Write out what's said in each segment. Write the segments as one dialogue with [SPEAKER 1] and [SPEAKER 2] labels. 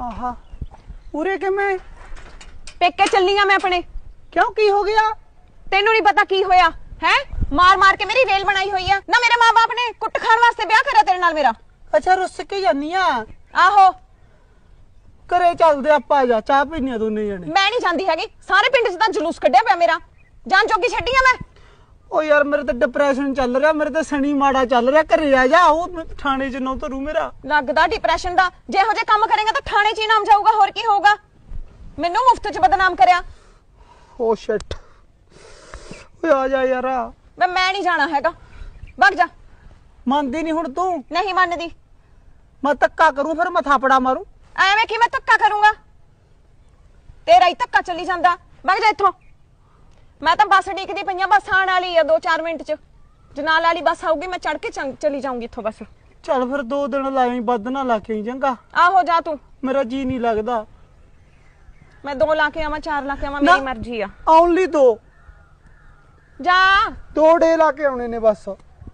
[SPEAKER 1] आहा उरे के मैं
[SPEAKER 2] पेके चलनी आ मैं अपने।
[SPEAKER 1] क्यों की हो गया?
[SPEAKER 2] तेनू नहीं पता की होया है? मार मार के मेरी रेल बनाई हुई है ना। मेरे माँ बाप ने कुट खान वास्ते ब्याह करा तेरे नाल मेरा।
[SPEAKER 1] अच्छा रुस के जानी आ
[SPEAKER 2] आहो
[SPEAKER 1] घरे चलदे आपां जा चाह पीने दोने जने।
[SPEAKER 2] मैं नहीं जांदी हैगी। सारे पिंड च तां जुलूस कड्ढिया पिया मेरा। जान जोगी छड्डी आ मैं।
[SPEAKER 1] ओ यार मेरे तो डिप्रेशन चल रहा, मेरे तो शनि माड़ा चल रहा। घरे आ जा, ओ थाने च नौ तरू मेरा
[SPEAKER 2] लगदा डिप्रेशन दा। जे हो जे काम करेगा तो थाने च ही नाम जाऊगा, होर की होगा। मैनू मुफ्त च बदनाम करया।
[SPEAKER 1] ओ शिट ओए आ जा यार।
[SPEAKER 2] मैं नहीं जाना हैगा, भग जा।
[SPEAKER 1] मानदी नहीं हुण तू?
[SPEAKER 2] नहीं मानदी।
[SPEAKER 1] मैं धक्का करूं फिर मैं थापड़ा मारूं?
[SPEAKER 2] ਐਵੇਂ ਕਿਵੇਂ ਧੱਕਾ ਕਰੂੰਗਾ? ਤੇਰਾ ਹੀ ਧੱਕਾ ਚੱਲੀ ਜਾਂਦਾ। ਵਗ ਜਾ ਇੱਥੋਂ। ਮੈਂ ਤਾਂ ਬੱਸ ਡੀਕਦੀ ਪਈਆਂ, ਬੱਸ ਆਣ ਵਾਲੀ ਆ 2-4 ਮਿੰਟ ਚ। ਜਨਾਲ ਵਾਲੀ ਬੱਸ ਆਊਗੀ, ਮੈਂ ਚੜ ਕੇ ਚਲੀ ਜਾਊਂਗੀ ਇੱਥੋਂ ਬਸ।
[SPEAKER 1] ਚੱਲ ਫਿਰ 2 ਦਿਨ ਲਾਈ, ਵੱਧ ਨਾ ਲਾ ਕੇ ਚੰਗਾ।
[SPEAKER 2] ਆਹੋ ਜਾ ਤੂੰ।
[SPEAKER 1] ਮੇਰਾ ਜੀ ਨਹੀਂ ਲੱਗਦਾ।
[SPEAKER 2] ਮੈਂ 2 ਲਾ ਕੇ ਆਵਾਂ 4 ਲਾ ਕੇ ਆਵਾਂ, ਮੇਰੀ ਮਰਜ਼ੀ ਆ।
[SPEAKER 1] ਓਨਲੀ 2
[SPEAKER 2] ਜਾ
[SPEAKER 1] 2 ਡੇ ਲਾ ਕੇ ਆਉਣੇ ਨੇ ਬਸ।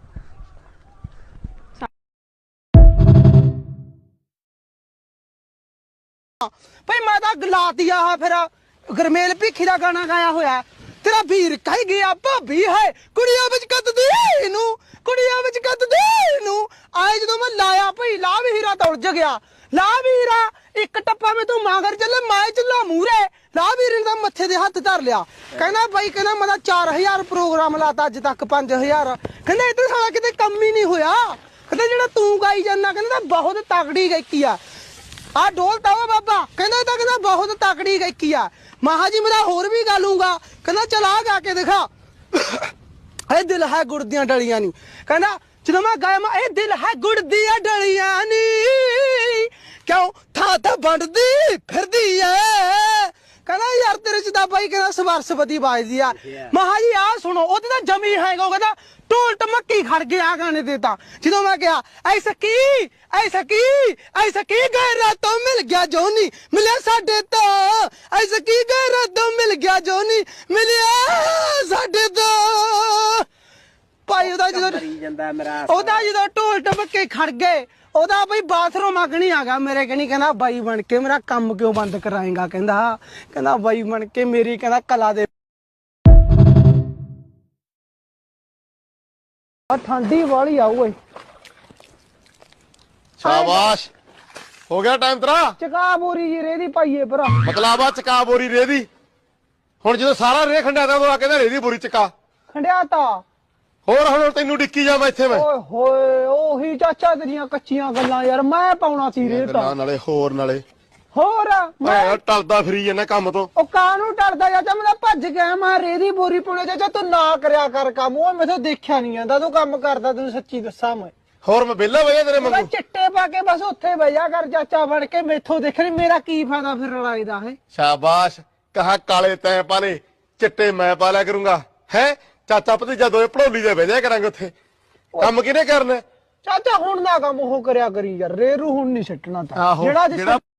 [SPEAKER 1] भाई मैं तो गला दिया है फिर गरमेल भीखी का गाना गाया होया। तेरा वीर कह गया भाभी है कुड़िया विच कददी नू, कुड़िया विच कददी नू। आए जो मैं लाया भाई ला भी हीरा तो उलझ गया। ला भी हीरा एक टप्पा में तू मांगर चले, मैं चला मूरे। ला भी हीरे मत्थे दे हथ धर लिया। कहना भाई कहना मैं 4000 प्रोग्राम लाता अज तक 5000। कहना इधर सारा किते कम ही नहीं होया। कहना जेड़ा तू गाई जाना कहना बहुत तगड़ी गायकी आ। आ ढोलता हो बाबा कहना बहुत तकड़ी गायकी आ। महा जी मेरा होर भी गा लूंगा। कहना चला गा के दिखा। ए दिल है गुड़ दियां डलियां नी। कहना जो मैं गाया मैं ए दिल है गुड़ दियां डलियां नी, क्यों था बंटदी फिरदी है। कहना यार तेरे च भाई कहना सरस्वती बाजदी आ। महा जी आ सुनो ओते तां जमी हैगा। कहना ढोल टमकी खड़ गया गाने देता। जो मैं कहा ऐसा की गए रातों मिल गया जोनी मिले साडे तो। ऐसा की गए रातों मिल गया जोनी मिलिया साडे तो। भाई ओदा जो ढोल टमके खड़ गए ओदा भाई बाथरूम अगनी आ गया मेरे कनी। कहना बाई बन के मेरा काम क्यों बंद कराएगा। कहना बाई बन के मेरी कहना कला दे। ठंडी वाली आओ।
[SPEAKER 3] शाबाश हो गया टाइम तेरा।
[SPEAKER 1] चका बोरी जी रेदी पाइए भरा।
[SPEAKER 3] मतलब आ चका बोरी रेदी। हुण जो सारा रे खंडिया था वो कहंदा रेदी बोरी चका
[SPEAKER 1] खंडिया ता
[SPEAKER 3] होर हुण तैनू डिक्की जा मैं इत्थे मैं।
[SPEAKER 1] ओए होए ओही चाचा तेरियां कच्चियां गल्लां यार। मैं पाउणा सी रेता
[SPEAKER 3] नाले होर
[SPEAKER 1] होर मैं
[SPEAKER 3] टलदा फिरी जन्ना काम तो।
[SPEAKER 1] ओ कानू टलदा चाचा मैं भज गया। मैं रेदी बोरी पुणे चाचा तू ना करया कर काम। ओ मैथों देखिया नहीं आंदा तू काम करदा। तैनू सच्ची दस्सां मैं
[SPEAKER 3] होर मैं बेला वजह तेरे
[SPEAKER 1] मैं
[SPEAKER 3] मंगू
[SPEAKER 1] चिट्टे पा के बस उत्थे बजा कर चाचा बन के मैथों देख रही। मेरा की फायदा फिर लड़ाई दा है।
[SPEAKER 3] शाबाश कहा काले तैं पाले चिट्टे मैं पा लिया करूंगा है। चाचा भतीजा दोए पड़ोली दे भेजा करांगे उत्थे। काम किने करना
[SPEAKER 1] चाचा हुण ना काम ओह करया करी यार। रेरू हुण नहीं सिटना ता जेड़ा